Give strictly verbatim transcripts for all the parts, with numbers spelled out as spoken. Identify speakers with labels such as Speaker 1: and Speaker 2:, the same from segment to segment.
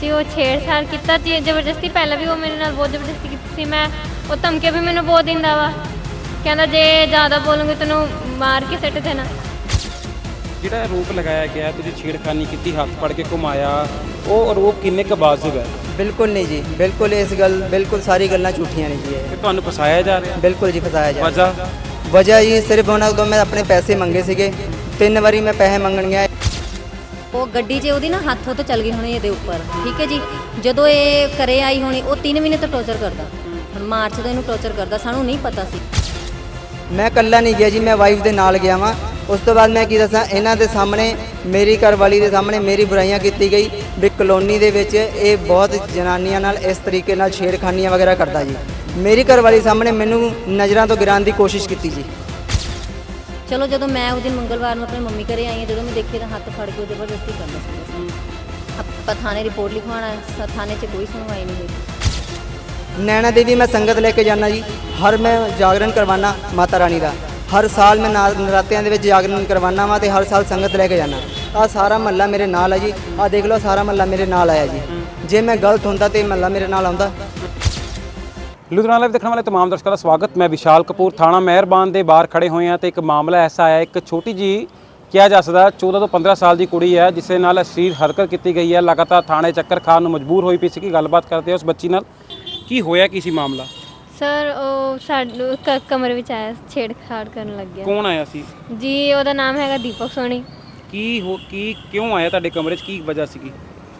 Speaker 1: ਸੀ ਉਹ ਛੇੜਛਾੜ ਕੀਤਾ ਜੀ ਜ਼ਬਰਦਸਤੀ। ਪਹਿਲਾਂ ਵੀ ਉਹ ਮੇਰੇ ਨਾਲ ਬਹੁਤ ਜ਼ਬਰਦਸਤੀ ਕੀਤੀ ਸੀ। ਮੈਂ ਉਹ ਧਮਕੀਆਂ ਵੀ ਮੈਨੂੰ ਬਹੁਤ ਦਿੰਦਾ ਵਾ, ਕਹਿੰਦਾ ਜੇ ਜ਼ਿਆਦਾ ਬੋਲੂੰਗੀ ਤੈਨੂੰ ਮਾਰ ਕੇ ਸਿੱਟ ਦੇਣਾ।
Speaker 2: ਜਿਹੜਾ ਆਰੋਪ ਲਗਾਇਆ ਗਿਆ ਤੁਸੀਂ ਛੇੜਖਾਨੀ ਕੀਤੀ, ਹੱਥ ਫੜ ਕੇ ਘੁਮਾਇਆ, ਉਹ ਆਰੋਪ ਕਿੰਨੇ ਕੁ ਵਾਜਬ ਹੈ?
Speaker 3: ਬਿਲਕੁਲ ਨਹੀਂ ਜੀ, ਬਿਲਕੁਲ ਇਸ ਗੱਲ ਬਿਲਕੁਲ ਸਾਰੀ ਗੱਲਾਂ ਝੂਠੀਆਂ ਨੇ ਜੀ।
Speaker 2: ਕਿ ਤੁਹਾਨੂੰ ਫਸਾਇਆ ਜਾ ਰਿਹਾ?
Speaker 3: ਬਿਲਕੁਲ ਜੀ ਫਸਾਇਆ ਜਾ
Speaker 2: ਵਜ੍ਹਾ
Speaker 3: ਵਜ੍ਹਾ ਜੀ ਸਿਰਫ ਉਹਨਾਂ ਤੋਂ ਮੈਂ ਆਪਣੇ ਪੈਸੇ ਮੰਗੇ ਸੀਗੇ, ਤਿੰਨ ਵਾਰੀ ਮੈਂ ਪੈਸੇ ਮੰਗਣ ਗਿਆ।
Speaker 4: ਉਹ ਗੱਡੀ 'ਚ ਉਹਦੀ ਨਾ ਹੱਥ ਤੋਂ ਚੱਲ ਗਈ ਹੋਣੀ ਇਹਦੇ ਉੱਪਰ, ਠੀਕ ਹੈ ਜੀ। ਜਦੋਂ ਇਹ ਘਰੇ ਆਈ ਹੋਣੀ ਉਹ ਤਿੰਨ ਮਹੀਨੇ ਤੋਂ ਟੌਰਚਰ ਕਰਦਾ, ਹੁਣ ਮਾਰਚ ਤੋਂ ਇਹਨੂੰ ਟੌਰਚਰ ਕਰਦਾ, ਸਾਨੂੰ ਨਹੀਂ ਪਤਾ ਸੀ।
Speaker 3: ਮੈਂ ਇਕੱਲਾ ਨਹੀਂ ਗਿਆ ਜੀ, ਮੈਂ ਵਾਈਫ ਦੇ ਨਾਲ ਗਿਆ ਵਾਂ। ਉਸ ਤੋਂ ਬਾਅਦ ਮੈਂ ਕੀ ਦੱਸਾਂ, ਇਹਨਾਂ ਦੇ ਸਾਹਮਣੇ, ਮੇਰੀ ਘਰਵਾਲੀ ਦੇ ਸਾਹਮਣੇ ਮੇਰੀ ਬੁਰਾਈਆਂ ਕੀਤੀ ਗਈ ਵੀ ਕਲੋਨੀ ਦੇ ਵਿੱਚ ਇਹ ਬਹੁਤ ਜਨਾਨੀਆਂ ਨਾਲ ਇਸ ਤਰੀਕੇ ਨਾਲ ਛੇੜਖਾਨੀਆਂ ਵਗੈਰਾ ਕਰਦਾ ਜੀ। ਮੇਰੀ ਘਰਵਾਲੀ ਸਾਹਮਣੇ ਮੈਨੂੰ ਨਜ਼ਰਾਂ ਤੋਂ ਗਿਰਾਉਣ ਦੀ ਕੋਸ਼ਿਸ਼ ਕੀਤੀ ਜੀ।
Speaker 4: ਚਲੋ ਜਦੋਂ ਮੈਂ ਉਸ ਦਿਨ ਮੰਗਲਵਾਰ ਨੂੰ ਆਪਣੇ ਮੰਮੀ ਘਰੇ ਆਈ ਹਾਂ, ਜਦੋਂ ਮੈਂ ਦੇਖਿਆ ਤਾਂ ਹੱਥ ਫੜ ਕੇ ਉਹ ਜ਼ਬਰਦਸਤੀ ਕਰਦਾ ਸੀ। ਆਪਾਂ ਥਾਣੇ ਰਿਪੋਰਟ ਲਿਖਵਾਉਣਾ, ਥਾਣੇ 'ਚ ਕੋਈ ਸੁਣਵਾਈ ਨਹੀਂ ਹੋਈ।
Speaker 3: ਨੈਣਾ ਦੇਵੀ ਮੈਂ ਸੰਗਤ ਲੈ ਕੇ ਜਾਣਾ ਜੀ, ਹਰ ਮੈਂ ਜਾਗਰਣ ਕਰਵਾਉਣਾ ਮਾਤਾ ਰਾਣੀ ਦਾ। ਹਰ ਸਾਲ ਮੈਂ ਨਰਾਤਿਆਂ ਦੇ ਵਿੱਚ ਜਾਗਰਣ ਕਰਵਾਉਣਾ ਵਾ ਤੇ ਹਰ ਸਾਲ ਸੰਗਤ ਲੈ ਕੇ ਜਾਣਾ। ਆਹ ਸਾਰਾ ਮਹੱਲਾ ਮੇਰੇ ਨਾਲ ਹੈ ਜੀ, ਆਹ ਦੇਖ ਲਓ ਸਾਰਾ ਮਹੱਲਾ ਮੇਰੇ ਨਾਲ ਆਇਆ ਜੀ। ਜੇ ਮੈਂ ਗਲਤ ਹੁੰਦਾ ਤੇ ਮਹੱਲਾ ਮੇਰੇ ਨਾਲ ਆਉਂਦਾ।
Speaker 2: ਲੁਧਿਆਣਾ ਲਾਈਵ ਦੇਖਣ ਵਾਲੇ तमाम ਦਰਸ਼ਕਾਂ ਦਾ ਸਵਾਗਤ। ਮੈਂ ਵਿਸ਼ਾਲ ਕਪੂਰ ਥਾਣਾ ਮਿਹਰਬਾਨ ਦੇ ਬਾਹਰ ਖੜੇ ਹੋਏ ਹਾਂ ਤੇ ਇੱਕ ਮਾਮਲਾ ਐਸਾ ਆਇਆ, ਇੱਕ ਛੋਟੀ ਜੀ ਕਿਹਾ ਜਾ ਸਕਦਾ ਚੌਦਾਂ ਤੋਂ ਪੰਦਰਾਂ ਸਾਲ ਦੀ ਕੁੜੀ ਹੈ ਜਿਸ ਦੇ ਨਾਲ ਅਸ਼ਲੀਲ ਹਰਕਤ ਕੀਤੀ ਗਈ ਹੈ। ਲਗਾਤਾਰ ਥਾਣੇ ਚੱਕਰ ਖਾਣ ਨੂੰ ਮਜਬੂਰ ਹੋਈ ਪਈ ਸੀ। ਕਿ ਗੱਲਬਾਤ ਕਰਦੇ ਹਾਂ ਉਸ ਬੱਚੀ ਨਾਲ, ਕੀ ਹੋਇਆ ਕੀ ਸੀ ਮਾਮਲਾ?
Speaker 1: ਸਰ ਉਹ ਸਾਡੇ ਕ- ਕਮਰੇ ਵਿੱਚ ਆਇਆ, ਛੇੜਛਾੜ ਕਰਨ ਲੱਗ ਗਿਆ
Speaker 2: ਕੌਣ ਆਇਆ ਸੀ
Speaker 1: ਜੀ। ਉਹਦਾ ਨਾਮ ਹੈਗਾ ਦੀਪਕ ਸੋਨੀ
Speaker 2: ਕੀ ਹੋ ਕੀ ਕਿਉਂ ਆਇਆ ਤੁਹਾਡੇ ਕਮਰੇ 'ਚ, ਕੀ ਵਜ੍ਹਾ ਸੀਗੀ?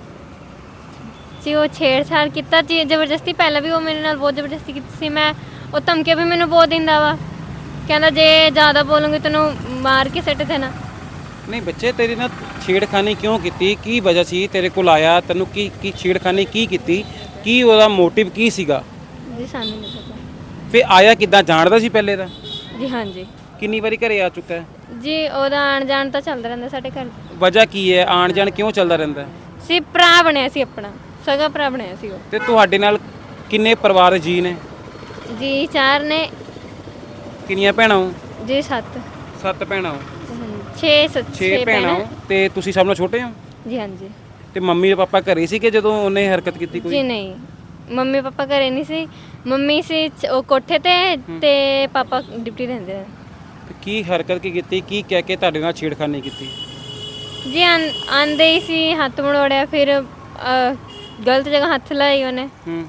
Speaker 1: ਜੀ ਉਹ ਛੇੜਛਾੜ ਕੀਤਾ ਜੀ ਜ਼ਬਰਦਸਤੀ। ਪਹਿਲਾਂ ਵੀ ਉਹ ਮੇਰੇ ਨਾਲ ਬਹੁਤ ਜ਼ਬਰਦਸਤੀ ਕੀਤੀ ਸੀ। ਮੈਂ ਉਹ ਧਮਕੀਆਂ ਵੀ ਮੈਨੂੰ ਬਹੁਤ ਦਿੰਦਾ ਵਾ, ਕਹਿੰਦਾ ਜੇ ਜ਼ਿਆਦਾ ਬੋਲੂੰਗੀ ਤੈਨੂੰ ਮਾਰ ਕੇ ਸਿੱਟ ਦੇਣਾ।
Speaker 2: ਨਹੀਂ ਬੱਚੇ, ਤੇਰੀ ਨਾਲ ਛੇੜਖਾਨੀ ਕਿਉਂ ਕੀਤੀ? ਕੀ ਵਜ੍ਹਾ ਸੀ ਤੇਰੇ ਕੋਲ ਆਇਆ? ਤੈਨੂੰ ਕੀ ਕੀ ਛੇੜਖਾਨੀ ਕੀ ਕੀਤੀ? ਕੀ ਉਹਦਾ ਮੋਟਿਵ ਕੀ ਸੀਗਾ?
Speaker 1: ਜੀ ਸਾਨੂੰ ਨਹੀਂ ਪਤਾ
Speaker 2: ਫਿਰ ਆਇਆ ਕਿੱਦਾਂ? ਜਾਣਦਾ ਸੀ ਪਹਿਲੇ ਦਾ?
Speaker 1: ਜੀ। ਹਾਂਜੀ
Speaker 2: ਕਿੰਨੀ ਵਾਰੀ ਘਰੇ ਆ ਚੁੱਕਾ ਹੈ?
Speaker 1: ਜੀ, ਉਹਦਾ ਆਣ ਜਾਣ ਤਾਂ ਚੱਲਦਾ ਰਹਿੰਦਾ ਸਾਡੇ ਘਰ।
Speaker 2: ਵਜ੍ਹਾ ਕੀ ਹੈ? ਆਣ ਜਾਣ ਕਿਉਂ ਚੱਲਦਾ ਰਹਿੰਦਾ?
Speaker 1: ਸੀ ਭਰਾ ਬਣਿਆ ਸੀ, ਆਪਣਾ ਸਗਾ ਭਰਾ ਬਣਿਆ ਸੀ ਉਹ।
Speaker 2: ਤੇ ਤੁਹਾਡੇ ਨਾਲ ਕਿੰਨੇ ਪਰਿਵਾਰ ਜੀ ਨੇ?
Speaker 1: ਜੀ ਚਾਰ ਨੇ।
Speaker 2: ਕਿੰਨੀਆਂ ਭੈਣਾਂ ਹੋ?
Speaker 1: ਜੀ ਸੱਤ।
Speaker 2: ਸੱਤ ਭੈਣਾਂ ਹੋ।
Speaker 1: ਛੇ ਸੱਤ
Speaker 2: ਛੇ ਭੈਣਾਂ ਹੋ ਤੇ ਤੁਸੀਂ ਸਭ ਨਾਲੋਂ ਛੋਟੇ ਹੋ?
Speaker 1: ਜੀ ਹਾਂਜੀ।
Speaker 2: ਤੇ ਮੰਮੀ ਤੇ ਪਾਪਾ ਘਰੇ ਸੀ ਕਿ ਜਦੋਂ ਉਹਨੇ ਹਰਕਤ ਕੀਤੀ ਕੋਈ?
Speaker 1: ਜੀ ਨਹੀਂ, ਮੰਮੀ ਪਾਪਾ ਘਰੇ ਨਹੀਂ ਸੀ। ਮੰਮੀ ਸੀ ਚ- ਉਹ ਕੋਠੇ ਤੇ ਤੇ ਪਾਪਾ ਡਿਊਟੀ ਰਹਿੰਦੇ ਨੇ।
Speaker 2: ਤੇ ਕੀ ਹਰਕਤ ਕੀ ਕੀਤੀ? ਕੀ ਕਹਿ ਕੇ ਤੁਹਾਡੇ ਨਾਲ ਛੇੜਖਾਨੀ ਕੀਤੀ?
Speaker 1: ਜੀ ਆਂਦੇ ਹੀ ਸੀ, ਹੱਥ ਮੜੋੜਿਆ, ਫਿਰ ਅ, ਗਲਤ ਜਗ੍ਹਾ ਹੱਥ ਲਾਈ ਉਹਨੇ।
Speaker 2: ਹੂੰ,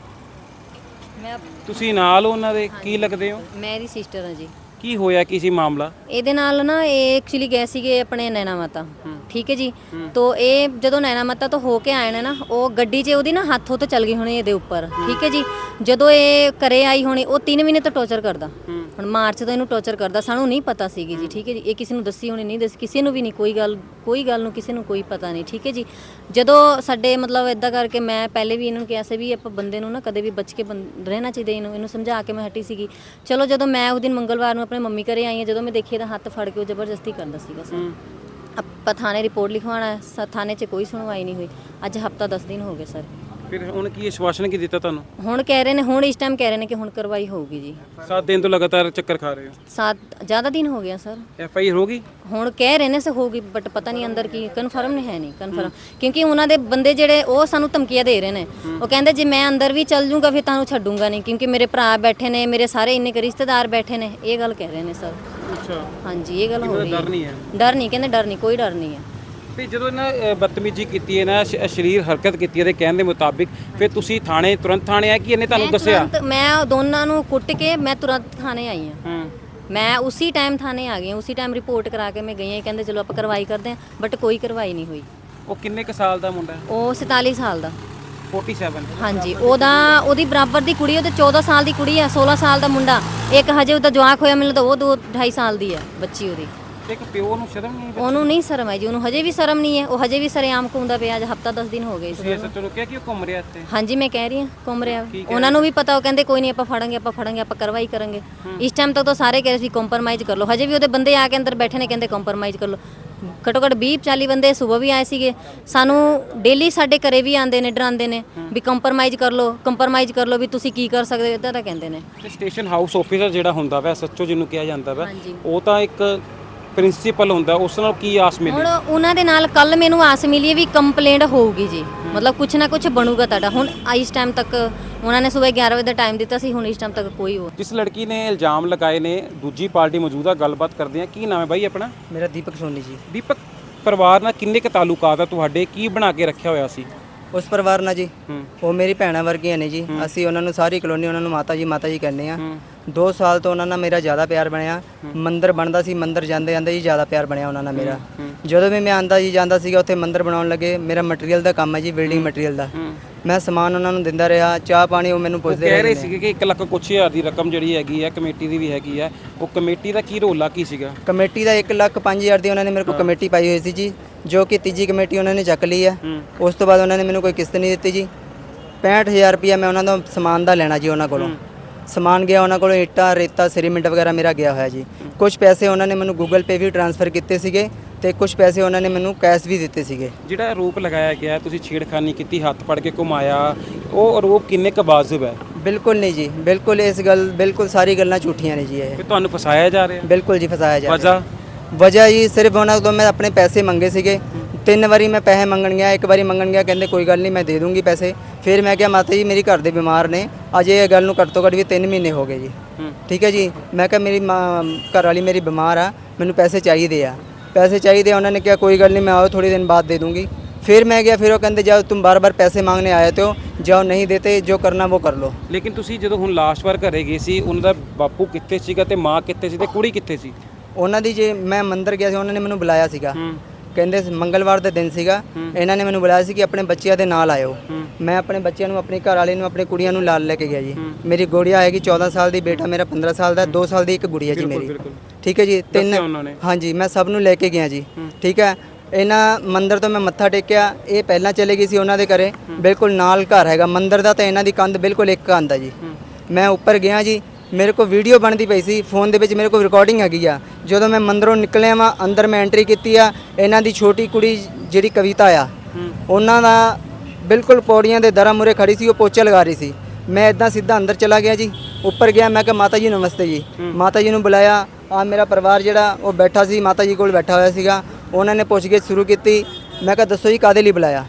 Speaker 4: ਮੈਂ
Speaker 2: ਤੁਸੀਂ ਨਾਲ ਉਹਨਾਂ ਦੇ ਕੀ ਲੱਗਦੇ ਹੋ?
Speaker 4: ਮੈਂ ਇਹਦੀ ਸਿਸਟਰ ਹਾਂ ਜੀ।
Speaker 2: ਕੀ ਹੋਇਆ ਕੀ ਸੀ ਮਾਮਲਾ?
Speaker 4: ਇਹਦੇ ਨਾਲ ਨਾ ਇਹ ਐਕਚੁਅਲੀ ਗਏ ਸੀਗੇ ਆਪਣੇ ਨੈਣਾ ਮਾਤਾ, ਠੀਕ ਹੈ ਜੀ। ਤੋ ਇਹ ਜਦੋਂ ਨੈਣਾ ਮਾਤਾ ਤੋਂ ਹੋ ਕੇ ਆਏ ਨੇ ਨਾ, ਉਹ ਗੱਡੀ 'ਚ ਉਹਦੀ ਨਾ ਹੱਥੋਂ ਤੋਂ ਚੱਲ ਗਈ ਹੋਣੀ ਇਹਦੇ ਉੱਪਰ, ਠੀਕ ਹੈ ਜੀ। ਜਦੋਂ ਇਹ ਘਰੇ ਆਈ ਹੋਣੀ ਉਹ ਤਿੰਨ ਮਹੀਨੇ ਤੋਂ ਟੌਰਚਰ ਕਰਦਾ, ਹੁਣ ਮਾਰਚ ਤੋਂ ਇਹਨੂੰ ਟੌਰਚਰ ਕਰਦਾ, ਸਾਨੂੰ ਨਹੀਂ ਪਤਾ ਸੀਗੀ ਜੀ, ਠੀਕ ਹੈ ਜੀ। ਇਹ ਕਿਸੇ ਨੂੰ ਦੱਸੀ ਹੋਣੀ, ਨਹੀਂ ਦੱਸੀ ਕਿਸੇ ਨੂੰ ਵੀ ਨਹੀਂ, ਕੋਈ ਗੱਲ ਕੋਈ ਗੱਲ ਨੂੰ ਕਿਸੇ ਨੂੰ ਕੋਈ ਪਤਾ ਨਹੀਂ, ਠੀਕ ਹੈ ਜੀ। ਜਦੋਂ ਸਾਡੇ ਮਤਲਬ ਇਦਾਂ ਕਰਕੇ ਮੈਂ ਪਹਿਲੇ ਵੀ ਇਹਨਾਂ ਨੂੰ ਕਿਹਾ ਸੀ ਵੀ ਆਪਾਂ ਬੰਦੇ ਨੂੰ ਨਾ ਕਦੇ ਵੀ ਬਚ ਕੇ ਬੰ- ਰਹਿਣਾ ਚਾਹੀਦਾ, ਇਹਨੂੰ ਇਹਨੂੰ ਸਮਝਾ ਕੇ ਮੈਂ ਹਟੀ ਸੀਗੀ। ਚਲੋ ਜਦੋਂ ਮੈਂ ਉਸ ਦਿਨ ਮੰਗਲਵਾਰ ਨੂੰ ਆਪਣੇ ਮੰਮੀ ਘਰੇ ਆਈ ਹਾਂ, ਜਦੋਂ ਮੈਂ ਦੇਖਿਆ ਤਾਂ ਹੱਥ ਫੜ ਕੇ ਉਹ ਜ਼ਬਰਦਸਤੀ ਕਰਦਾ ਸੀਗਾ ਸਰ। ਆਪਾਂ ਥਾਣੇ ਰਿਪੋਰਟ ਲਿਖਵਾਉਣਾ, ਥਾਣੇ 'ਚ ਕੋਈ ਸੁਣਵਾਈ ਨਹੀਂ ਹੋਈ। ਅੱਜ ਹਫਤਾ ਦਸ ਦਿਨ ਹੋ ਗਏ ਸਰ।
Speaker 2: ਫਿਰ ਹੁਣ ਕੀ ਆਸ਼ਵਾਸਨ ਕੀ ਦਿੱਤਾ ਤੁਹਾਨੂੰ?
Speaker 4: ਹੁਣ ਕਹਿ ਰਹੇ ਨੇ, ਹੁਣ ਇਸ ਟਾਈਮ ਕਹਿ ਰਹੇ ਨੇ ਕਿ ਹੁਣ ਕਾਰਵਾਈ ਹੋਊਗੀ ਜੀ।
Speaker 2: ਸੱਤ ਦਿਨ ਤੋਂ ਲਗਾਤਾਰ ਚੱਕਰ ਖਾ ਰਹੇ ਹੋ?
Speaker 4: ਸਾਤ ਜ਼ਿਆਦਾ ਦਿਨ ਹੋ ਗਿਆ ਸਰ।
Speaker 2: ਐਫ ਆਈ ਆਰ ਹੋ ਗਈ?
Speaker 4: ਹੁਣ ਕਹਿ ਰਹੇ ਨੇ ਸੇ ਹੋਊਗੀ, ਬਟ ਪਤਾ ਨਹੀਂ ਅੰਦਰ ਕੀ, ਕਨਫਰਮ ਨਹੀਂ ਹੈ, ਨਹੀਂ ਕਨਫਰਮ, ਕਿਉਂਕਿ ਉਹਨਾਂ ਦੇ ਬੰਦੇ ਜਿਹੜੇ ਉਹ ਸਾਨੂੰ ਧਮਕੀਆਂ ਦੇ ਰਹੇ ਨੇ। ਉਹ ਕਹਿੰਦੇ ਜੇ ਮੈਂ ਅੰਦਰ ਵੀ ਚੱਲ ਜੂੰਗਾ ਫਿਰ ਤੁਹਾਨੂੰ ਛੱਡੂੰਗਾ ਨਹੀਂ, ਕਿਉਂਕਿ ਮੇਰੇ ਭਰਾ ਬੈਠੇ ਨੇ, ਮੇਰੇ ਸਾਰੇ ਇੰਨੇ ਕੁ ਰਿਸ਼ਤੇਦਾਰ ਬੈਠੇ ਨੇ, ਇਹ ਗੱਲ ਕਹਿ ਰਹੇ ਨੇ ਸਰ।
Speaker 2: ਅੱਛਾ,
Speaker 4: ਹਾਂਜੀ ਇਹ ਗੱਲ ਹੋ ਰਹੀ ਹੈ।
Speaker 2: ਡਰ ਨਹੀਂ ਹੈ?
Speaker 4: ਡਰ ਨਹੀਂ, ਕਹਿੰਦੇ ਡਰ ਨਹੀਂ, ਕੋਈ ਡਰ ਨਹੀਂ ਹੈ।
Speaker 2: ਤੇ ਜਦੋਂ ਇਹਨਾਂ ਬਦਤਮੀਜ਼ੀ ਕੀਤੀ ਹੈ ਨਾ, ਅਸ਼ਲੀਲ ਹਰਕਤ ਕੀਤੀ ਇਹਦੇ ਕਹਿਣ ਦੇ ਮੁਤਾਬਿਕ, ਫਿਰ ਤੁਸੀਂ ਥਾਣੇ ਤੁਰੰਤ ਥਾਣੇ ਆਏ ਕਿ ਇਹਨੇ ਤੁਹਾਨੂੰ
Speaker 4: ਮੈਂ
Speaker 2: ਦੱਸਿਆ?
Speaker 4: ਤੁਰੰਤ- ਮੈਂ ਦੋਨਾਂ ਨੂੰ ਕੁੱਟ ਕੇ ਮੈਂ ਤੁਰੰਤ ਥਾਣੇ ਆਈ ਹਾਂ।
Speaker 2: ਹੂੰ,
Speaker 4: ਮੈਂ ਉਸੇ ਟਾਈਮ ਥਾਣੇ ਆ ਗਈ ਹਾਂ, ਉਸੇ ਟਾਈਮ ਰਿਪੋਰਟ ਕਰਾ ਕੇ ਮੈਂ ਗਈ ਹਾਂ। ਕਹਿੰਦੇ ਚਲੋ ਆਪਾਂ ਕਾਰਵਾਈ ਕਰਦੇ ਹਾਂ, ਬਟ ਕੋਈ ਕਾਰਵਾਈ ਨਹੀਂ ਹੋਈ।
Speaker 2: ਉਹ ਕਿੰਨੇ ਕੁ ਸਾਲ ਦਾ ਮੁੰਡਾ ਹੈ?
Speaker 4: ਉਹ ਸਤਾਲੀ ਸਾਲ ਦਾ।
Speaker 2: ਸੈਂਤਾਲੀ।
Speaker 4: ਹਾਂਜੀ, ਉਹਦਾ ਉਹਦੀ ਬਰਾਬਰ ਦੀ ਕੁੜੀ, ਉਹਦੇ ਚੌਦਾਂ ਸਾਲ ਦੀ ਕੁੜੀ ਆ, ਸੋਲਾਂ ਸਾਲ ਦਾ ਮੁੰਡਾ, ਇੱਕ ਹਜੇ ਉਹਦਾ ਜਵਾਕ ਹੋਇਆ, ਮੈਨੂੰ ਤਾਂ ਉਹ ਦੋ ਢਾਈ ਸਾਲ ਦੀ ਆ ਬੱਚੀ ਉਹਦੀ।
Speaker 2: ਇੱਕ ਪਿਓ ਨੂੰ ਸ਼ਰਮ ਨਹੀਂ?
Speaker 4: ਉਹਨੂੰ ਨਹੀਂ ਸ਼ਰਮ ਹੈ ਜੀ, ਉਹਨੂੰ ਹਜੇ ਵੀ ਸ਼ਰਮ ਨਹੀਂ ਹੈ, ਉਹ ਹਜੇ ਵੀ ਸਰੇਆਮ ਘੁੰਮਦਾ ਪਿਆ। ਅੱਜ ਹਫਤਾ ਦਸ ਦਿਨ ਹੋ ਗਏ
Speaker 2: ਤੁਸੀਂ
Speaker 4: ਇਸ
Speaker 2: ਸੱਚੋ ਨੂੰ ਕਿਹਾ ਕਿ ਉਹ ਘੁੰਮ ਰਿਹਾ ਇੱਥੇ?
Speaker 4: ਹਾਂਜੀ ਮੈਂ ਕਹਿ ਰਹੀ ਹਾਂ ਘੁੰਮ ਰਿਹਾ। ਉਹਨਾਂ ਨੂੰ ਵੀ ਪਤਾ, ਉਹ ਕਹਿੰਦੇ ਕੋਈ ਨਹੀਂ ਆਪਾਂ ਫੜਾਂਗੇ, ਆਪਾਂ ਫੜਾਂਗੇ, ਆਪਾਂ ਕਾਰਵਾਈ ਕਰਾਂਗੇ। ਇਸ ਟਾਈਮ ਤੱਕ ਤਾਂ ਸਾਰੇ ਕਹਿ ਰਹੇ ਸੀ ਕੰਪਰਮਾਈਜ਼ ਕਰ ਲਓ, ਹਜੇ ਵੀ ਉਹਦੇ ਬੰਦੇ ਆ ਕੇ ਅੰਦਰ ਬੈਠੇ ਨੇ, ਕਹਿੰਦੇ ਕੰਪਰਮਾਈਜ਼ ਕਰ ਲਓ। ਘੱਟੋ ਘੱਟ ਵੀਹ ਚਾਲੀ ਬੰਦੇ ਸਵੇਰ ਵੀ ਆਏ ਸੀਗੇ, ਸਾਨੂੰ ਡੇਲੀ ਸਾਡੇ ਘਰੇ ਵੀ ਆਉਂਦੇ ਨੇ, ਡਰਾਉਂਦੇ ਨੇ ਵੀ ਕੰਪਰਮਾਈਜ਼ ਕਰ ਲਓ, ਕੰਪਰਮਾਈਜ਼ ਕਰ ਲਓ, ਵੀ ਤੁਸੀਂ ਕੀ ਕਰ ਸਕਦੇ ਹੋ, ਇੱਦਾਂ ਤਾਂ ਕਹਿੰਦੇ ਨੇ।
Speaker 2: ਤੇ ਸਟੇਸ਼ਨ ਹਾਊਸ ਆਫੀਸਰ ਜਿਹੜਾ ਹੁੰਦਾ ਵਾ, ਸੱਚੋ ਜਿਹਨੂੰ ਕਿਹਾ ਜਾਂਦਾ ਵਾ,
Speaker 4: ਹਾਂਜੀ।
Speaker 2: ਉਹ ਤਾਂ ਇੱਕ ਪ੍ਰਿੰਸੀਪਲ ਹੁੰਦਾ ਉਸ ਨਾਲ ਕੀ ਆਸ ਮਿਲੀ?
Speaker 4: ਹੁਣ ਉਹਨਾਂ ਦੇ ਨਾਲ ਕੱਲ ਮੈਨੂੰ ਆਸ ਮਿਲੀ ਹੈ ਵੀ ਕੰਪਲੇਂਟ ਹੋਊਗੀ ਜੀ, ਮਤਲਬ ਕੁਛ ਨਾ ਕੁਛ ਬਣੂਗਾ ਤੁਹਾਡਾ। ਹੁਣ ਇਸ ਟਾਈਮ ਤੱਕ ਉਹਨਾਂ ਨੇ ਸਵੇਰ ਗਿਆਰਾਂ ਵਜੇ ਦਾ ਟਾਈਮ ਦਿੱਤਾ ਸੀ, ਹੁਣ ਇਸ ਟਾਈਮ ਤੱਕ ਕੋਈ ਹੋ
Speaker 2: ਜਿਸ ਲੜਕੀ ਨੇ ਇਲਜ਼ਾਮ ਲਗਾਏ ਨੇ ਦੂਜੀ ਪਾਰਟੀ ਮੌਜੂਦਾ ਗੱਲਬਾਤ ਕਰਦੇ ਆ। ਕੀ ਨਾਮ ਹੈ ਬਾਈ ਆਪਣਾ?
Speaker 3: ਮੇਰਾ ਦੀਪਕ ਸੋਨੀ ਜੀ।
Speaker 2: ਦੀਪਕ, ਪਰਿਵਾਰ ਨਾਲ ਕਿੰਨੇ ਕੁ ਤਾਲੁਕਾਤ ਆ ਤੁਹਾਡੇ? ਕੀ ਬਣਾ ਕੇ ਰੱਖਿਆ ਹੋਇਆ ਸੀ?
Speaker 3: ਉਸ ਪਰਿਵਾਰ ਨਾਲ ਜੀ
Speaker 2: ਹੂੰ
Speaker 3: ਉਹ ਮੇਰੀ ਭੈਣਾਂ ਵਰਗੀਆਂ ਨੇ ਜੀ। ਅਸੀਂ ਉਹਨਾਂ ਨੂੰ ਸਾਰੀ ਕਲੋਨੀ ਉਹਨਾਂ ਨੂੰ ਮਾਤਾ ਜੀ ਮਾਤਾ ਜੀ ਕਹਿੰਦੇ ਆ।
Speaker 2: ਹੂੰ
Speaker 3: ਦੋ ਸਾਲ ਤੋਂ ਉਹਨਾਂ ਨਾਲ ਮੇਰਾ ਜ਼ਿਆਦਾ ਪਿਆਰ ਬਣਿਆ। ਮੰਦਿਰ ਬਣਦਾ ਸੀ, ਮੰਦਿਰ ਜਾਂਦੇ ਜਾਂਦੇ ਜੀ ਜ਼ਿਆਦਾ ਪਿਆਰ ਬਣਿਆ ਉਹਨਾਂ ਨਾਲ ਮੇਰਾ। ਜਦੋਂ ਵੀ ਮੈਂ ਆਂਦਾ ਜੀ ਜਾਂਦਾ ਸੀਗਾ ਉੱਥੇ ਮੰਦਿਰ ਬਣਾਉਣ ਲੱਗੇ। ਮੇਰਾ ਮਟੀਰੀਅਲ ਦਾ ਕੰਮ ਹੈ ਜੀ, ਬਿਲਡਿੰਗ ਮਟੀਰੀਅਲ ਦਾ।
Speaker 2: ਹੂੰ
Speaker 3: ਮੈਂ ਸਮਾਨ ਉਹਨਾਂ ਨੂੰ ਦਿੰਦਾ ਰਿਹਾ, ਚਾਹ ਪਾਣੀ ਉਹ ਮੈਨੂੰ
Speaker 2: ਉਹ
Speaker 3: ਪੁੱਛਦੇ
Speaker 2: ਕਹਿ ਰਹੇ
Speaker 3: ਰਹੇ
Speaker 2: ਸੀਗੇ ਕਿ ਇੱਕ ਲੱਖ ਕੁਛ ਹਜ਼ਾਰ ਦੀ ਰਕਮ ਜਿਹੜੀ ਹੈਗੀ ਹੈ ਕਮੇਟੀ ਦੀ ਵੀ ਹੈਗੀ ਹੈ। ਉਹ ਕਮੇਟੀ ਦਾ ਕੀ ਰੋਲਾ ਕੀ ਸੀਗਾ?
Speaker 3: ਕਮੇਟੀ ਦਾ ਇੱਕ ਲੱਖ ਪੰਜ ਹਜ਼ਾਰ ਦੀ ਉਹਨਾਂ ਨੇ ਮੇਰੇ ਕੋਲ ਕਮੇਟੀ ਪਾਈ ਹੋਈ ਸੀ ਜੀ, ਜੋ ਕਿ ਤੀਜੀ ਕਮੇਟੀ ਉਹਨਾਂ ਨੇ ਚੱਕ ਲਈ ਹੈ।
Speaker 2: ਹੂੰ
Speaker 3: ਉਸ ਤੋਂ ਬਾਅਦ ਉਹਨਾਂ ਨੇ ਮੈਨੂੰ ਕੋਈ ਕਿਸ਼ਤ ਨਹੀਂ ਦਿੱਤੀ ਜੀ। ਪੈਂਹਠ ਹਜ਼ਾਰ ਰੁਪਇਆ ਮੈਂ ਉਹਨਾਂ ਦਾ ਸਮਾਨ ਦਾ ਲੈਣਾ ਜੀ ਉਹਨਾਂ ਕੋਲੋਂ। ਸਮਾਨ ਗਿਆ ਉਹਨਾਂ ਕੋਲੋਂ, ਇੱਟਾਂ ਰੇਤਾ ਸੀਮਿੰਟ ਵਗੈਰਾ ਮੇਰਾ ਗਿਆ ਹੋਇਆ ਜੀ। ਕੁਝ ਪੈਸੇ ਉਹਨਾਂ ਨੇ ਮੈਨੂੰ ਗੂਗਲ ਪੇ ਵੀ ਟ੍ਰਾਂਸਫਰ ਕੀਤੇ ਸੀਗੇ ਤੇ ਕੁਝ ਪੈਸੇ ਉਹਨਾਂ ਨੇ ਮੈਨੂੰ ਕੈਸ਼ ਵੀ ਦਿੱਤੇ ਸੀਗੇ।
Speaker 2: ਜਿਹੜਾ ਆਰੋਪ ਲਗਾਇਆ ਗਿਆ ਤੁਸੀਂ ਛੇੜਖਾਨੀ ਕੀਤੀ, ਹੱਥ ਫੜ ਕੇ ਘੁਮਾਇਆ, ਉਹ ਆਰੋਪ ਕਿੰਨੇ ਕੁ ਵਾਜਬ ਹੈ?
Speaker 3: ਬਿਲਕੁਲ ਨਹੀਂ ਜੀ, ਬਿਲਕੁਲ ਇਸ ਗੱਲ ਬਿਲਕੁਲ ਸਾਰੀ ਗੱਲਾਂ ਝੂਠੀਆਂ ਨੇ ਜੀ ਇਹ।
Speaker 2: ਕਿ ਤੁਹਾਨੂੰ ਫਸਾਇਆ ਜਾ ਰਿਹਾ?
Speaker 3: ਬਿਲਕੁਲ ਜੀ ਫਸਾਇਆ ਜਾ ਰਿਹਾ।
Speaker 2: ਵਜ੍ਹਾ?
Speaker 3: ਵਜ੍ਹਾ ਜੀ ਸਿਰਫ ਉਹਨਾਂ ਤੋਂ ਮੈਂ ਆਪਣੇ ਪੈਸੇ ਮੰਗੇ ਸੀਗੇ। ਤਿੰਨ ਵਾਰੀ ਮੈਂ ਪੈਸੇ ਮੰਗਣ ਗਿਆ, ਇੱਕ ਵਾਰੀ ਮੰਗਣ ਗਿਆ ਕਹਿੰਦੇ ਕੋਈ ਗੱਲ ਨਹੀਂ ਮੈਂ ਦੇ ਦੂੰਗੀ ਪੈਸੇ। ਫਿਰ ਮੈਂ ਕਿਹਾ ਮਾਤਾ ਜੀ ਮੇਰੀ ਘਰ ਦੇ ਬਿਮਾਰ ਨੇ, ਅਜੇ ਇਹ ਗੱਲ ਨੂੰ ਘੱਟ ਤੋਂ ਘੱਟ ਵੀ ਤਿੰਨ ਮਹੀਨੇ ਹੋ ਗਏ ਜੀ। ਠੀਕ ਹੈ ਜੀ, ਮੈਂ ਕਿਹਾ ਮੇਰੀ ਮਾਂ ਘਰ ਵਾਲੀ ਮੇਰੀ ਬਿਮਾਰ ਆ, ਮੈਨੂੰ ਪੈਸੇ ਚਾਹੀਦੇ ਆ, ਪੈਸੇ ਚਾਹੀਦੇ। ਉਹਨਾਂ ਨੇ ਕਿਹਾ ਕੋਈ ਗੱਲ नहीं मैं आओ थोड़ी दिन बाद दे दूंगी। फिर मैं गया, फिर वो कहते जाओ तुम बार बार पैसे मांगने आए थे हो, जाओ नहीं देते जो करना वो कर लो।
Speaker 2: ਲੇਕਿਨ ਤੁਸੀਂ ਜਦੋਂ ਹੁਣ ਲਾਸਟ ਵਾਰ ਘਰੇ ਗਏ ਸੀ ਉਹਨਾਂ ਦਾ ਬਾਪੂ ਕਿੱਥੇ ਸੀਗਾ ਤੇ ਮਾਂ ਕਿੱਥੇ ਸੀ ਤੇ ਕੁੜੀ ਕਿੱਥੇ ਸੀ?
Speaker 3: ਉਹਨਾਂ ਦੀ ਜੇ ਮੈਂ ਮੰਦਿਰ ਗਿਆ ਸੀ ਉਹਨਾਂ ਨੇ ਮੈਨੂੰ ਬੁਲਾਇਆ ਸੀਗਾ। ਕਹਿੰਦੇ ਸੀ ਮੰਗਲਵਾਰ ਦਾ ਦਿਨ ਸੀਗਾ, ਇਹਨਾਂ ਨੇ ਮੈਨੂੰ ਬੁਲਾਇਆ ਸੀ ਕਿ ਆਪਣੇ ਬੱਚਿਆਂ ਦੇ ਨਾਲ ਆਇਓ। ਮੈਂ ਆਪਣੇ ਬੱਚਿਆਂ ਨੂੰ, ਆਪਣੀ ਘਰ ਵਾਲੇ ਨੂੰ, ਆਪਣੀ ਕੁੜੀਆਂ ਨੂੰ ਨਾਲ ਲੈ ਕੇ ਗਿਆ ਜੀ। ਮੇਰੀ ਗੁੜੀਆ ਹੈਗੀ ਚੌਦਾਂ ਸਾਲ ਦੀ, ਬੇਟਾ ਮੇਰਾ ਪੰਦਰਾਂ ਸਾਲ ਦਾ, ਦੋ ਸਾਲ ਦੀ ਇੱਕ ਗੁੜੀਆ ਜੀ ਮੇਰੀ। ਠੀਕ ਹੈ ਜੀ, ਤਿੰਨ। ਹਾਂਜੀ ਮੈਂ ਸਭ ਨੂੰ ਲੈ ਕੇ ਗਿਆ ਜੀ। ਠੀਕ ਹੈ, ਇਹਨਾਂ ਮੰਦਿਰ ਤੋਂ ਮੈਂ ਮੱਥਾ ਟੇਕਿਆ। ਇਹ ਪਹਿਲਾਂ ਚਲੇ ਗਈ ਸੀ ਉਹਨਾਂ ਦੇ ਘਰੇ, ਬਿਲਕੁਲ ਨਾਲ ਘਰ ਹੈਗਾ ਮੰਦਿਰ ਦਾ, ਤਾਂ ਇਹਨਾਂ ਦੀ ਕੰਧ ਬਿਲਕੁਲ ਇੱਕ ਕੰਧ ਆ ਜੀ। ਮੈਂ ਉੱਪਰ ਗਿਆ ਜੀ, ਮੇਰੇ ਕੋਲ ਵੀਡੀਓ ਬਣਦੀ ਪਈ ਸੀ ਫੋਨ ਦੇ ਵਿੱਚ, ਮੇਰੇ ਕੋਲ ਰਿਕਾਰਡਿੰਗ ਹੈਗੀ ਆ। ਜਦੋਂ ਮੈਂ ਮੰਦਿਰੋਂ ਨਿਕਲਿਆ ਵਾਂ ਅੰਦਰ ਮੈਂ ਐਂਟਰੀ ਕੀਤੀ ਆ, ਇਹਨਾਂ ਦੀ ਛੋਟੀ ਕੁੜੀ ਜਿਹੜੀ ਕਵਿਤਾ ਆ, ਉਹਨਾਂ ਦਾ ਬਿਲਕੁਲ ਪੌੜੀਆਂ ਦੇ ਦਰਾਂ ਮੂਹਰੇ ਖੜੀ ਸੀ, ਉਹ ਪੋਚਾ ਲਗਾ ਰਹੀ ਸੀ। ਮੈਂ ਇਦਾਂ ਸਿੱਧਾ ਅੰਦਰ ਚਲਾ ਗਿਆ ਜੀ। ਉੱਪਰ ਗਿਆ, ਮੈਂ ਕਿਹਾ ਮਾਤਾ ਜੀ ਨਮਸਤੇ ਜੀ। ਮਾਤਾ ਜੀ ਨੂੰ ਬੁਲਾਇਆ। ਆ ਮੇਰਾ ਪਰਿਵਾਰ ਜਿਹੜਾ ਉਹ ਬੈਠਾ ਸੀ, ਮਾਤਾ ਜੀ ਕੋਲ ਬੈਠਾ ਹੋਇਆ ਸੀਗਾ। ਉਹਨਾਂ ਨੇ ਪੁੱਛਗਿੱਛ ਸ਼ੁਰੂ ਕੀਤੀ। ਮੈਂ ਕਿਹਾ ਦੱਸੋ ਜੀ ਕਾਹਦੇ ਲਈ ਬੁਲਾਇਆ?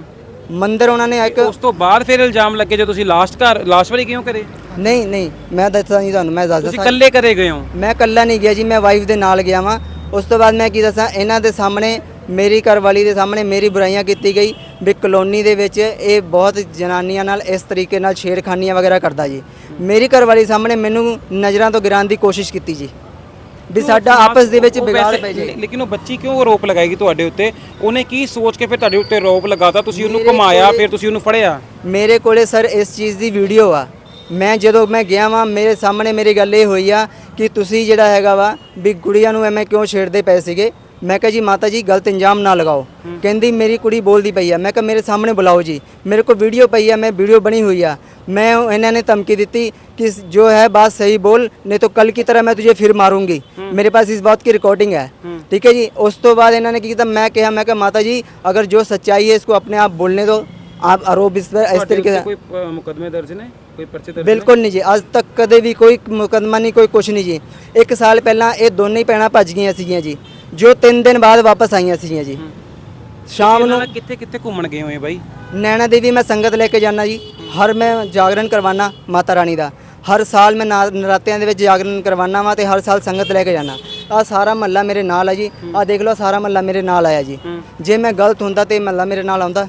Speaker 3: ਮੰਦਿਰ ਉਹਨਾਂ ਨੇ ਇੱਕ।
Speaker 2: ਉਸ ਤੋਂ ਬਾਅਦ ਫਿਰ ਇਲਜ਼ਾਮ ਲੱਗੇ ਜੋ ਤੁਸੀਂ ਲਾਸਟ ਘਰ ਲਾਸਟ ਵਾਰੀ ਕਿਉਂ ਕਰੇ?
Speaker 3: ਨਹੀਂ ਨਹੀਂ ਮੈਂ ਦੱਸਦਾ ਨਹੀਂ ਤੁਹਾਨੂੰ, ਮੈਂ ਦੱਸਦਾ।
Speaker 2: ਤੁਸੀਂ ਇਕੱਲੇ ਕਰੇ ਗਏ ਹੋ?
Speaker 3: ਮੈਂ ਇਕੱਲਾ ਨਹੀਂ ਗਿਆ ਜੀ, ਮੈਂ ਵਾਈਫ ਦੇ ਨਾਲ ਗਿਆ ਵਾਂ। ਉਸ ਤੋਂ ਬਾਅਦ ਮੈਂ ਕੀ ਦੱਸਾਂ, ਇਹਨਾਂ ਦੇ ਸਾਹਮਣੇ, ਮੇਰੀ ਘਰਵਾਲੀ ਦੇ ਸਾਹਮਣੇ ਮੇਰੀ ਬੁਰਾਈਆਂ ਕੀਤੀ ਗਈ ਵੀ ਕਲੋਨੀ ਦੇ ਵਿੱਚ ਇਹ ਬਹੁਤ ਜਨਾਨੀਆਂ ਨਾਲ ਇਸ ਤਰੀਕੇ ਨਾਲ ਛੇੜਖਾਨੀਆਂ ਵਗੈਰਾ ਕਰਦਾ ਜੀ। ਮੇਰੀ ਘਰਵਾਲੀ ਸਾਹਮਣੇ ਮੈਨੂੰ ਨਜ਼ਰਾਂ ਤੋਂ ਗਿਰਾਉਣ ਦੀ ਕੋਸ਼ਿਸ਼ ਕੀਤੀ ਜੀ ਵੀ ਸਾਡਾ ਆਪਸ ਦੇ ਵਿੱਚ ਵਿਗਾੜ ਪੈ ਜੇ।
Speaker 2: ਲੇਕਿਨ ਉਹ ਬੱਚੀ ਕਿਉਂ ਆਰੋਪ ਲਗਾਏਗੀ ਤੁਹਾਡੇ ਉੱਤੇ? ਉਹਨੇ ਕੀ ਸੋਚ ਕੇ ਫਿਰ ਤੁਹਾਡੇ ਉੱਤੇ ਆਰੋਪ ਲਗਾਤਾ? ਤੁਸੀਂ ਉਹਨੂੰ ਘੁਮਾਇਆ, ਫਿਰ ਤੁਸੀਂ ਉਹਨੂੰ ਫੜਿਆ?
Speaker 3: ਮੇਰੇ ਕੋਲੇ ਸਰ ਇਸ ਚੀਜ਼ ਦੀ ਵੀਡੀਓ ਆ। ਮੈਂ ਜਦੋਂ ਮੈਂ ਗਿਆ ਵਾਂ ਮੇਰੇ ਸਾਹਮਣੇ ਮੇਰੀ ਗੱਲ ਇਹ ਹੋਈ ਆ ਕਿ ਤੁਸੀਂ ਜਿਹੜਾ ਹੈਗਾ ਵਾ ਵੀ ਗੁੜੀਆਂ ਨੂੰ ਐਵੇਂ ਕਿਉਂ ਛੇੜਦੇ ਪਏ ਸੀਗੇ। ਮੈਂ ਕਿਹਾ ਜੀ ਮਾਤਾ ਜੀ ਗਲਤ ਇੰਜਾਮ ਨਾ ਲਗਾਓ। ਕਹਿੰਦੀ ਮੇਰੀ ਕੁੜੀ ਬੋਲਦੀ ਪਈ ਆ। ਮੈਂ ਕਿਹਾ ਮੇਰੇ ਸਾਹਮਣੇ ਬੁਲਾਓ ਜੀ, ਮੇਰੇ ਕੋਲ ਵੀਡੀਓ ਪਈ ਆ, ਮੈਂ ਵੀਡੀਓ ਬਣੀ ਹੋਈ ਆ। मैं इन्होंने ने धमकी दी कि जो है बात सही बोल, नहीं तो कल की तरह मैं तुझे फिर मारूंगी। मेरे पास इस बात की रिकॉर्डिंग है। ठीक है जी। उस तो बाद इन्होंने की मैं कहा मैं कहा माता जी अगर जो सच्चाई है इसको अपने आप बोलने दो, आप आरोप इस पर इस तरीके से।
Speaker 2: कोई मुकदमे दर्ज ने, कोई पर्चे दर्ज?
Speaker 3: बिल्कुल नहीं जी, आज तक कदे भी कोई मुकदमा नहीं, कोई कुछ नहीं जी। एक साल पहला ये दोनों ही भैन भज गई सीगियां जी, जो तीन दिन बाद वापस आईयां सीगियां जी। शाम ਨੂੰ
Speaker 2: ਕਿੱਥੇ ਕਿੱਥੇ ਘੁੰਮਣ ਗਏ ਹੋਏ ਬਾਈ?
Speaker 3: नैना देवी मैं संगत लेके जाना जी, हर मैं जागरण करवाना माता रानी का। हर साल मैं नरात्तियां दे विच जागरण करवाना वा ते हर साल संगत लेके जाना। आ सारा महल्ला मेरे नाल है जी, आ देख लो सारा महल्ला मेरे नाल आया जी। जे मैं गलत हुंदा ते महल्ला मेरे नाल आउंदा।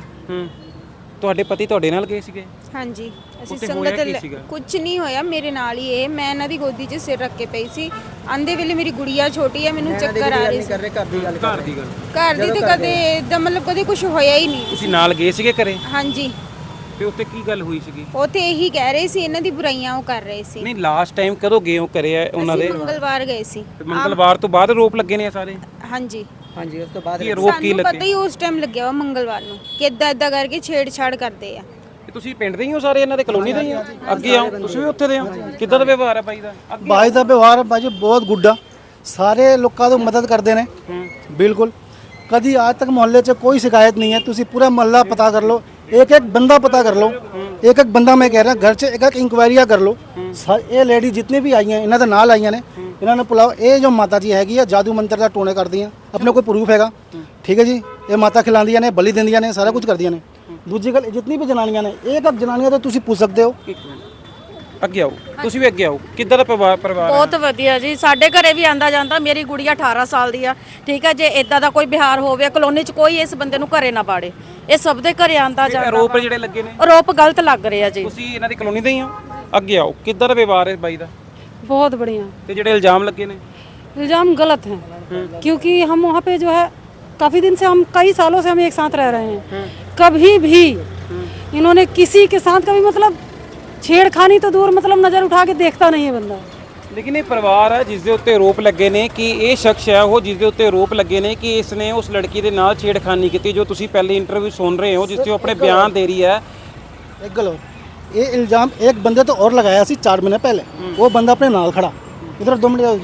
Speaker 2: ਤੁਹਾਡੇ ਪਤੀ ਤੁਹਾਡੇ ਨਾਲ ਗਏ ਸੀਗੇ?
Speaker 5: ਹਾਂਜੀ ਅਸੀਂ ਸੰਗਤ ਕੁਝ ਨਹੀਂ ਹੋਇਆ, ਮੇਰੇ ਨਾਲ ਹੀ ਇਹ, ਮੈਂ ਇਹਨਾਂ ਦੀ ਗੋਦੀ 'ਚ ਸਿਰ ਰੱਖ ਕੇ ਪਈ ਸੀ। ਆਂਦੇ ਵੇਲੇ ਮੇਰੀ ਗੁੜੀਆ ਛੋਟੀ ਹੈ, ਮੈਨੂੰ ਚੱਕਰ ਆ ਰਹੀ ਸੀ।
Speaker 3: ਘਰ ਦੀ ਗੱਲ
Speaker 2: ਘਰ ਦੀ ਗੱਲ
Speaker 5: ਘਰ ਦੀ ਤੇ ਕਦੇ ਇਦਾਂ ਮਤਲਬ ਕਦੇ ਕੁਝ ਹੋਇਆ ਹੀ ਨਹੀਂ।
Speaker 2: ਤੁਸੀਂ ਨਾਲ ਗਏ ਸੀਗੇ ਘਰੇ?
Speaker 5: ਹਾਂਜੀ।
Speaker 2: ਤੇ ਉੱਥੇ ਕੀ ਗੱਲ ਹੋਈ ਸੀਗੀ?
Speaker 5: ਉੱਥੇ ਇਹੀ ਕਹਿ ਰਹੇ ਸੀ ਇਹਨਾਂ ਦੀ ਬੁਰਾਈਆਂ ਉਹ ਕਰ ਰਹੇ ਸੀ।
Speaker 2: ਨਹੀਂ ਲਾਸਟ ਟਾਈਮ ਕਦੋਂ ਗਏ ਹੋ ਘਰੇ ਉਹਨਾਂ ਦੇ?
Speaker 5: ਮੰਗਲਵਾਰ ਗਏ ਸੀ।
Speaker 2: ਮੰਗਲਵਾਰ ਤੋਂ ਬਾਅਦ ਆਰੋਪ ਲੱਗੇ ਨੇ ਸਾਰੇ?
Speaker 5: ਹਾਂਜੀ
Speaker 3: ਹਾਂਜੀ। ਉਸ ਤੋਂ ਬਾਅਦ
Speaker 2: ਕੀ ਆਰੋਪ ਕੀ
Speaker 5: ਲੱਗੇ?
Speaker 2: ਲੱਗੇ?
Speaker 5: ਪਤਾ ਹੀ ਉਸ ਟਾਈਮ ਲੱਗਿਆ ਵਾ ਮੰਗਲਵਾਰ ਨੂੰ ਕਿ ਇਦਾਂ ਇਦਾਂ ਕਰਕੇ ਛੇੜਛਾੜ ਕਰਦੇ ਆ।
Speaker 2: ਤੁਸੀਂ ਪਿੰਡ ਦੇ ਹੀ ਹੋ ਸਾਰੇ, ਇਹਨਾਂ ਦੇ ਕਲੋਨੀ ਦੇ ਹੀ ਹੋ? ਅੱਗੇ ਆਓ, ਤੁਸੀਂ ਵੀ ਉੱਥੇ ਦੇ ਹੋ? ਕਿੱਦਾਂ ਦਾ ਵਿਵਹਾਰ ਹੈ ਬਾਈ ਦਾ?
Speaker 6: ਬਾਈ ਦਾ ਵਿਵਹਾਰ ਬਾਜੀ ਬਹੁਤ ਗੁੱਡਾ, ਸਾਰੇ ਲੋਕਾਂ ਦੀ ਮਦਦ ਕਰਦੇ ਨੇ ਬਿਲਕੁਲ। ਕਦੀ ਅੱਜ ਤੱਕ ਮੁਹੱਲੇ 'ਚ ਕੋਈ ਸ਼ਿਕਾਇਤ ਨਹੀਂ ਹੈ। ਤੁਸੀਂ ਪੂਰਾ ਮੁਹੱਲਾ ਪਤਾ ਕਰ ਲਓ, एक एक बंदा पता कर लो, एक एक बंदा मैं कह रहा घर च एक एक इंक्वायरियां कर लो। ये लेडी जितनी भी आई हैं इन्होंने नाल आई ने ਇਹਨਾਂ ਨੇ ਪੁਲਾਓ ਇਹ ਜੋ ਮਾਤਾ ਜੀ ਹੈਗੀ ਆ ਜਾਦੂ ਮੰਤਰ ਦਾ ਟੋਣੇ ਕਰਦੀਆਂ ਆਪਣੇ ਕੋਈ ਪ੍ਰੂਫ ਹੈਗਾ ਠੀਕ ਹੈ ਜੀ ਇਹ ਮਾਤਾ ਖਿਲਾਉਂਦੀਆਂ ਨੇ ਬਲੀ ਦਿੰਦੀਆਂ ਨੇ ਸਾਰਾ ਕੁਝ ਕਰਦੀਆਂ ਨੇ ਦੂਜੀ ਗੱਲ ਜਿੰਨੀ ਵੀ ਜਨਾਨੀਆਂ ਨੇ ਇਹ ਇੱਕ ਜਨਾਨੀਆਂ ਤੋਂ ਤੁਸੀਂ ਪੁੱਛ ਸਕਦੇ ਹੋ
Speaker 2: ਇੱਕ ਮਿੰਟ ਅੱਗੇ ਆਓ ਤੁਸੀਂ ਵੀ ਅੱਗੇ ਆਓ ਕਿੱਦਾਂ ਦਾ ਪਰਿਵਾਰ ਪਰਿਵਾਰ ਹੈ?
Speaker 7: ਬਹੁਤ ਵਧੀਆ ਜੀ ਸਾਡੇ ਘਰੇ ਵੀ ਆਂਦਾ ਜਾਂਦਾ ਮੇਰੀ ਗੁੜੀਆ ਅਠਾਰਾਂ ਸਾਲ ਦੀ ਆ ਠੀਕ ਹੈ ਜੇ ਇਦਾਂ ਦਾ ਕੋਈ ਬਿਹਾਰ ਹੋਵੇ ਕਲੋਨੀ 'ਚ ਕੋਈ ਇਸ ਬੰਦੇ ਨੂੰ ਘਰੇ ਨਾ ਬਾੜੇ ਇਹ ਸਭ ਦੇ ਘਰੇ ਆਂਦਾ ਜਾਂਦਾ
Speaker 2: ਆਰੋਪ ਜਿਹੜੇ ਲੱਗੇ ਨੇ
Speaker 7: ਆਰੋਪ ਗਲਤ ਲੱਗ ਰਿਹਾ ਜੀ
Speaker 2: ਤੁਸੀਂ ਇਹਨਾਂ ਦੀ ਕਲੋਨੀ ਦੇ ਹੀ ਹੋ ਅੱਗੇ ਆਓ ਕਿੱਦਾਂ ਦਾ ਵਿਵਹਾਰ ਹੈ ਬਾਈ ਦਾ
Speaker 8: बहुत बढ़िया
Speaker 2: ਤੇ ਜਿਹੜੇ ਇਲਜ਼ਾਮ ਲੱਗੇ ਨੇ
Speaker 8: इल्ज़ाम गलत हैं क्योंकि हम वहाँ पे जो है काफ़ी दिन से हम कई सालों से हम एक साथ रह रहे हैं कभी भी इन्होंने किसी के साथ कभी मतलब छेड़खानी तो दूर मतलब नज़र उठा के देखता नहीं है बंदा
Speaker 2: ਲੇਕਿਨ ਇਹ ਪਰਿਵਾਰ ਹੈ ਜਿਸ ਦੇ ਉੱਤੇ ਆਰੋਪ ਲੱਗੇ ਨੇ ਕਿ ਇਹ ਸ਼ਖਸ ਹੈ ਉਹ ਜਿਸ ਦੇ ਉੱਤੇ ਆਰੋਪ ਲੱਗੇ ਨੇ ਕਿ ਇਸ ਨੇ ਉਸ ਲੜਕੀ ਦੇ ਨਾਲ ਛੇੜਖਾਨੀ ਕੀਤੀ ਜੋ ਤੁਸੀਂ ਪਹਿਲੀ ਇੰਟਰਵਿਊ ਸੁਣ ਰਹੇ ਹੋ ਜਿਸ ਤੇ ਉਹ ਆਪਣੇ ਬਿਆਨ ਦੇ ਰਹੀ ਹੈ
Speaker 6: एक गल और ये इल्ज़ाम एक बंदे तो और लगाया सी चार महीने पहले वो बंदा अपने नाल खड़ा इधर दो मिनट जाओ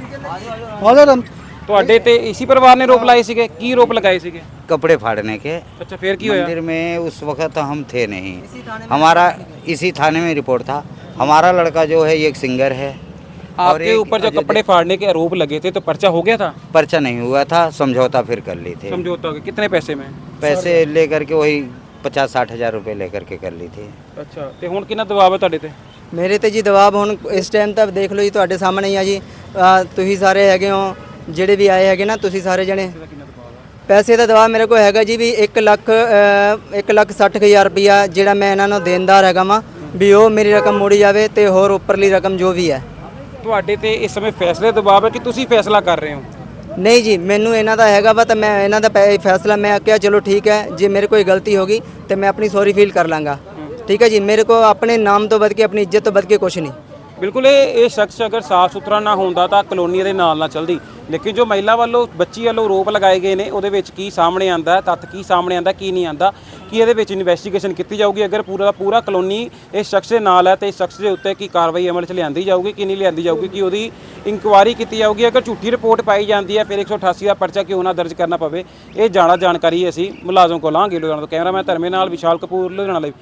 Speaker 6: जी और हम
Speaker 2: ਤੁਹਾਡੇ ਤੇ ਇसी ਪਰਿਵਾਰ ਨੇ ਆਰੋਪ ਲਾਏ ਸੀਗੇ ਕੀ ਆਰੋਪ ਲਗਾਏ ਸੀਗੇ
Speaker 9: कपड़े फाड़ने के
Speaker 2: ਅੱਛਾ ਫੇਰ ਕੀ ਹੋਇਆ
Speaker 9: मंदिर में उस वक्त हम थे नहीं हमारा इसी थाने में रिपोर्ट था हमारा लड़का जो है ये एक सिंगर है
Speaker 2: आपके ऊपर जो कपड़े फाड़ने के आरोप लगे थे तो पर्चा हो गया था
Speaker 9: पर्चा नहीं हुआ था समझौता फिर कर ली थी
Speaker 2: समझौता हो गया कितने पैसे में
Speaker 9: पैसे लेकर के वही पचास साठ हज़ार रुपये लेकर के कर ली थी
Speaker 2: ਅੱਛਾ ਤੇ ਹੁਣ ਕਿੰਨਾ ਦਬਾਅ ਹੈ ਤੁਹਾਡੇ ਤੇ
Speaker 3: ਮੇਰੇ ਤੇ ਜੀ ਦਬਾਅ ਹੁਣ ਇਸ ਟਾਈਮ ਤੱਕ ਦੇਖ ਲਓ ਜੀ ਤੁਹਾਡੇ ਸਾਹਮਣੇ ਹੀ ਆ ਜੀ ਅਹ ਤੁਸੀਂ ਸਾਰੇ ਹੈਗੇ ਹੋ ਜਿਹੜੇ ਵੀ ਆਏ ਹੈਗੇ ਨਾ ਤੁਸੀਂ ਸਾਰੇ ਜਣੇ ਪੈਸੇ ਦਾ ਦਬਾਅ ਮੇਰੇ ਕੋਲ ਹੈਗਾ ਜੀ ਵੀ ਇੱਕ ਲੱਖ ਅਹ, ਇੱਕ ਲੱਖ ਸੱਠ ਕੁ ਹਜ਼ਾਰ ਰੁਪਈਆ ਜਿਹੜਾ ਮੈਂ ਇਹਨਾਂ ਨੂੰ ਦੇਣਦਾਰ ਹੈਗਾ ਵਾਂ ਵੀ ਉਹ ਮੇਰੀ ਰਕਮ ਮੋੜੀ ਜਾਵੇ ਤੇ ਹੋਰ ਉੱਪਰਲੀ ਰਕਮ ਜੋ ਵੀ ਹੈ
Speaker 2: ਤੁਹਾਡੇ ਤੇ ਇਸ ਸਮੇਂ ਫੈਸਲੇ ਦਾ ਦਬਾਅ ਹੈ ਕਿ ਤੁਸੀਂ ਫੈਸਲਾ ਕਰ ਰਹੇ ਹੋ
Speaker 3: ਨਹੀਂ ਜੀ ਮੈਨੂੰ ਇਹਨਾਂ ਦਾ ਹੈਗਾ ਵਾ ਤਾਂ ਮੈਂ ਇਹਨਾਂ ਦਾ ਪੈ- ਫੈਸਲਾ ਮੈਂ ਕਿਹਾ ਚਲੋ ਠੀਕ ਹੈ ਜੇ ਮੇਰੇ ਕੋਈ ਗਲਤੀ ਹੋ ਗਈ ਤੇ ਮੈਂ ਆਪਣੀ ਸੌਰੀ ਫੀਲ ਕਰ ਲਾਂਗਾ ਠੀਕ ਹੈ ਜੀ ਮੇਰੇ ਕੋ ਆਪਣੇ ਨਾਮ ਤੋਂ ਵੱਧ ਕੇ ਆਪਣੀ ਇੱਜ਼ਤ ਤੋਂ ਵੱਧ ਕੇ ਕੁਝ ਨਹੀਂ
Speaker 2: ਬਿਲਕੁਲ ਇਹ ਇਹ ਸ਼ਖਸ ਅਗਰ ਸਾਫ ਸੁਥਰਾ ਨਾ ਹੁੰਦਾ ਤਾਂ ਕਲੋਨੀ ਦੇ ਨਾਲ ਨਾ ਚੱਲਦੀ ਲੇਕਿਨ ਜੋ ਮਹਿਲਾ ਵੱਲੋਂ ਬੱਚੀ ਵੱਲੋਂ ਆਰੋਪ ਲਗਾਏ ਗਏ ਨੇ ਉਹਦੇ ਵਿੱਚ ਕੀ ਸਾਹਮਣੇ ਆਂਦਾ ਤੱਥ ਕੀ ਸਾਹਮਣੇ ਆਂਦਾ ਕੀ ਨਹੀਂ ਆਂਦਾ ਕਿ ਇਹਦੇ ਵਿੱਚ ਇਨਵੈਸਟੀਗੇਸ਼ਨ ਕੀਤੀ ਜਾਊਗੀ ਅਗਰ ਪੂਰਾ ਦਾ ਪੂਰਾ ਕਲੋਨੀ ਇਸ ਸ਼ਖਸ ਦੇ ਨਾਲ ਹੈ ਤੇ ਇਸ ਸ਼ਖਸ ਦੇ ਉੱਤੇ ਕੀ ਕਾਰਵਾਈ ਅਮਲ 'ਚ ਲਿਆਂਦੀ ਜਾਊਗੀ ਕਿ ਨਹੀਂ ਲਿਆਂਦੀ ਜਾਊਗੀ ਕਿ ਉਹਦੀ ਇਨਕੁਆਇਰੀ ਕੀਤੀ ਜਾਊਗੀ ਅਗਰ ਝੂਠੀ ਰਿਪੋਰਟ ਪਾਈ ਜਾਂਦੀ ਹੈ ਫਿਰ ਇੱਕ ਸੌ ਅਠਾਸੀ ਦਾ ਪਰਚਾ ਕਿਉਂ ਨਾ ਦਰਜ ਕਰਨਾ ਪਵੇ ਇਹ ਜਾਣਾ ਜਾਣਕਾਰੀ ਅਸੀਂ ਮੁਲਾਜ਼ਮ ਕੋਲ ਲਾਂਗੇ ਲੁਧਿਆਣਾ ਤੋਂ ਕੈਮਰਾਮੈਨ ਧਰਮੇ ਨਾਲ ਵਿਸ਼ਾਲ ਕਪੂਰ ਲੁਧਿਆਣਾ ਲਈ